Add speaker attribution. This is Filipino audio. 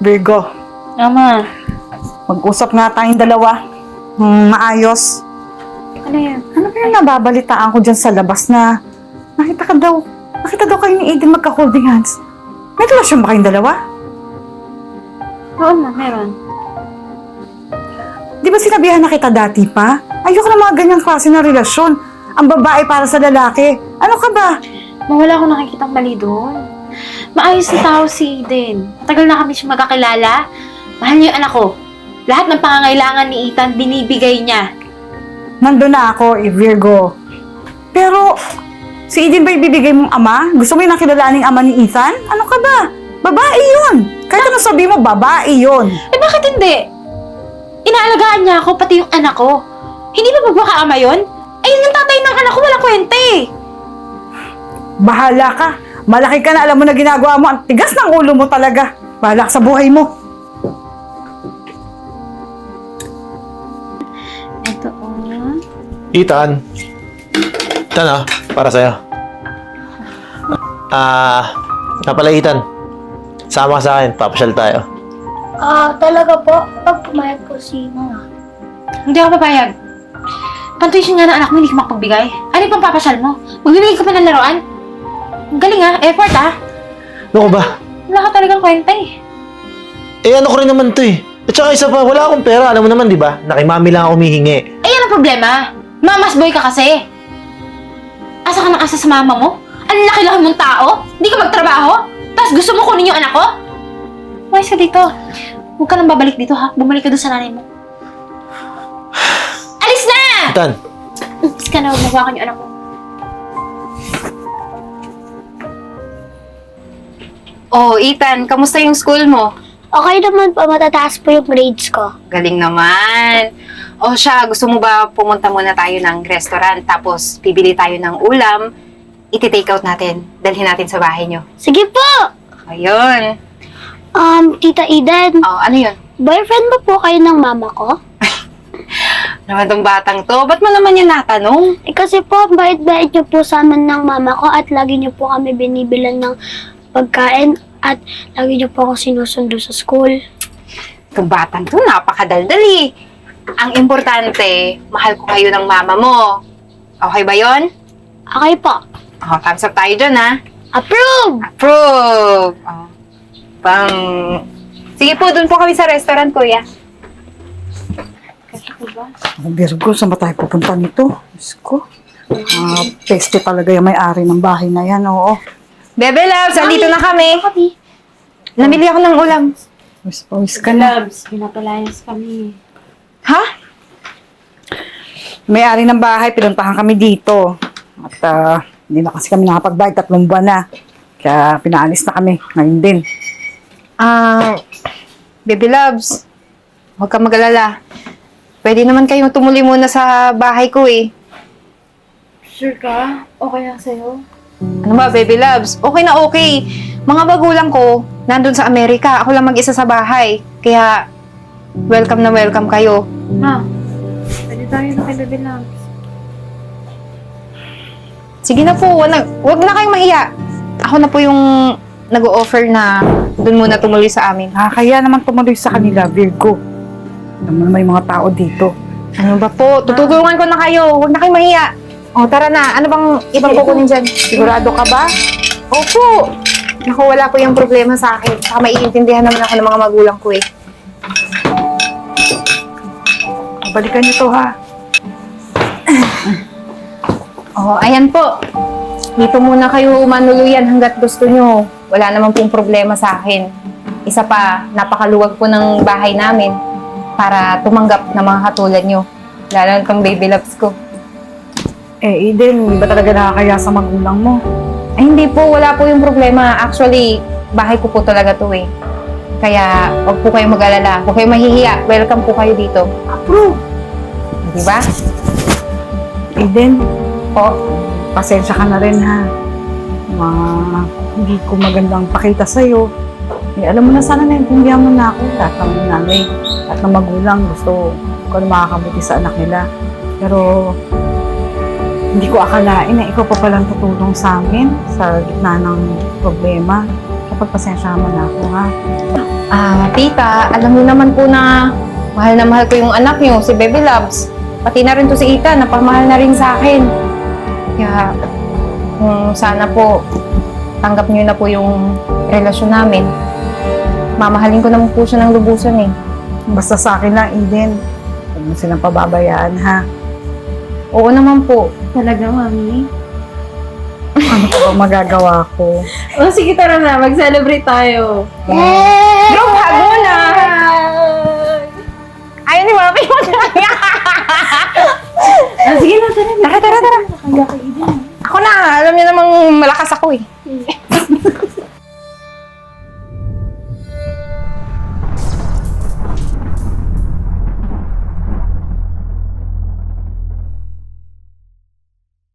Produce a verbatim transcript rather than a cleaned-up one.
Speaker 1: Virgo,
Speaker 2: Ama,
Speaker 1: mag-usap nga tayong dalawa. Hmm, maayos.
Speaker 2: ano yan?
Speaker 1: Ano ba yung nababalitaan ko dyan sa labas na nakita ka daw, nakita daw kayo ni Aiden magka-holding hands. May relasyon ba kayong dalawa?
Speaker 2: Oo ma, meron.
Speaker 1: Di ba sinabihan na kita dati pa? Ayoko na mga ganyang klase ng relasyon. Ang babae para sa lalaki. Ano ka ba?
Speaker 2: Ma, wala akong nakikitang mali doon. Maayos na tao si Eden. Matagal na kami siya magkakilala. Mahal niya yung anak ko. Lahat ng pangangailangan ni Ethan, binibigay niya.
Speaker 1: Nandun na ako, eh, Virgo. Pero, si Aiden ba ibibigay mong ama? Gusto mo yung nakilalaning ama ni Ethan? Ano ka ba? Babae yun. Kahit ano sabi mo, babae yun.
Speaker 2: Eh bakit hindi? Inaalagaan niya ako, pati yung anak ko. Hindi ba magmakaama yun? Ayun yung tatay ng anak ko, walang kwenta eh.
Speaker 1: Bahala ka. Malaki ka na, alam mo na ginagawa mo. Ang tigas ng ulo mo talaga. Bahala ka sa buhay mo.
Speaker 2: Ito oh.
Speaker 3: Ethan. Ethan ah, para sa'yo. Ah, nga pala Ethan. Sama ka sa akin, papasyal tayo.
Speaker 4: Ah, talaga po? Pag pumayag po si mama.
Speaker 2: Hindi ako papayag. Pantuition nga ng anak mo, hindi ka makapagbigay. Ano yung pampapasyal mo? Magbibigay ka pa ng laruan? Ang galing ah, effort ah.
Speaker 3: Ano ko ba?
Speaker 2: Wala ka talagang kwenta eh.
Speaker 3: Eh ano ko rin naman to eh. At saka isa pa, wala akong pera. Alam mo naman, di ba? Na kay mami lang ako humihingi.
Speaker 2: Eh, yan ang problema. Mamas boy ka kasi. Asa ka ng asa sa mama mo? Ang laki-laki mong tao? Hindi ka magtrabaho? Tapos gusto mo kunin yung anak ko? Umayos ka dito. Huwag ka nang babalik dito ha. Bumalik ka doon sa nanay mo. Alis na!
Speaker 3: Ethan,
Speaker 2: Alis ka na, huwag magawakan yung anak mo.
Speaker 5: Oh, Ethan, kamusta yung school mo?
Speaker 4: Okay naman po, matataas po yung grades ko.
Speaker 5: Galing naman. O siya, gusto mo ba pumunta muna tayo ng restaurant tapos bibili tayo ng ulam, iti-take out natin, dalhin natin sa bahay nyo.
Speaker 4: Sige po!
Speaker 5: Ayun.
Speaker 4: Um, Tita Eden,
Speaker 5: Oh, ano yun?
Speaker 4: boyfriend ba po kayo ng mama ko?
Speaker 5: Naman tong batang to, ba't mo naman yan natanong?
Speaker 4: Eh kasi po, ang bait-bait niyo po sa amin ng mama ko at lagi niyo po kami binibilan ng pagkain at lagi niyo po ako sinusundo sa school.
Speaker 5: Itong batang to, napakadaldali. Ang importante, mahal ko kayo ng mama mo. Okay ba yon?
Speaker 4: Okay po.
Speaker 5: Oh, thumbs up tayo dyan, ha?
Speaker 4: Approve!
Speaker 5: Approve! Oh. Pang... Sige po, dun po kami sa restaurant, kuya.
Speaker 1: Oh, Virgo, saan ba tayo pupunta nito? Diyos ko. Ah, peste talaga yung may-ari ng bahay na yan, oo.
Speaker 5: Bebe Loves, andito na kami. Namili ako ng ulam.
Speaker 1: Pawis, pawis ka na.
Speaker 2: Loves, pinapalayas kami.
Speaker 5: Ha?
Speaker 1: May-ari ng bahay, pinuntahan kami dito. At ah, hindi na kasi kami nakapagbayad, tatlong buwan na. Kaya pinaalis na kami, ngayon din.
Speaker 5: Ah, Baby Loves, huwag kang mag-alala. Pwede naman kayong tumuli muna sa bahay ko eh.
Speaker 2: Sure ka? Okay lang sa'yo?
Speaker 5: Ano ba, Baby Loves? Okay na okay. Mga bagulang ko, nandun sa Amerika. Ako lang mag-isa sa bahay. Kaya, welcome na welcome kayo.
Speaker 2: Ma, pwede tayo na kay Bebe Loves.
Speaker 5: Sige na po, wag na, wag na kayong mahiya. Ako na po yung nag-o-offer na dun muna tumuli sa amin.
Speaker 1: Ah, kaya naman tumuloy sa kanila, Virgo. Alam mo naman yung mga tao dito.
Speaker 5: Ano ba po? Tutulungan ko na kayo. Huwag na kayong mahiya. O, tara na. Ano bang ibang kukunin dyan?
Speaker 1: Sigurado ka ba?
Speaker 5: Opo! Naku, wala po yung problema sa akin. Saka maiintindihan naman ako ng mga magulang ko eh.
Speaker 1: Balikan niyo to, ha?
Speaker 5: Oh, ayan po. Dito muna kayo manuluyan hanggat gusto nyo. Wala naman pong problema sa akin. Isa pa, napakaluwag po ng bahay namin para tumanggap ng mga katulad nyo. Lalo na itong Baby Loves ko.
Speaker 1: Eh, Eden, hindi ba talaga nakakaya sa magulang mo?
Speaker 5: Ay, hindi po. Wala po yung problema. Actually, bahay ko po talaga to eh. Kaya, huwag po kayong mag-alala. Huwag kayong mahihiya. Welcome po kayo dito.
Speaker 1: Approve!
Speaker 5: Di ba?
Speaker 1: Eden,
Speaker 5: Po.
Speaker 1: pasensya ka na rin, ha? Ma, hindi ko magandang pakita sa'yo. Eh, alam mo na, sana naintindihan mo na ako. Lahat ng nanay, lahat ng magulang gusto ko na makakabuti sa anak nila. Pero, hindi ko akalain na ikaw pa palang tutulong sa amin sa gitna ng problema. kapag pasensyahan mo na ako, ha?
Speaker 5: Ah, tita, alam niyo naman po na mahal na mahal ko yung anak niyo, si Baby Loves. Pati na rin to si Ita, napamahal na rin sa akin. Kaya, kung sana po, tanggap niyo na po yung relasyon namin. Mamahalin ko naman po siya ng lubusan eh.
Speaker 1: Basta sa akin lang, Eden. Huwag mo silang pababayaan, ha?
Speaker 5: Oo naman po.
Speaker 2: Talaga, mami?
Speaker 1: Ano pa ba magagawa ko?
Speaker 2: Oh, sige, tara na. Mag-celebrate tayo.
Speaker 5: Group hug muna! Ayaw ni Mami mo na.
Speaker 2: Ah, sige na, tara.
Speaker 5: Tara, tara, tara. Ako na, alam niyo namang malakas ako eh.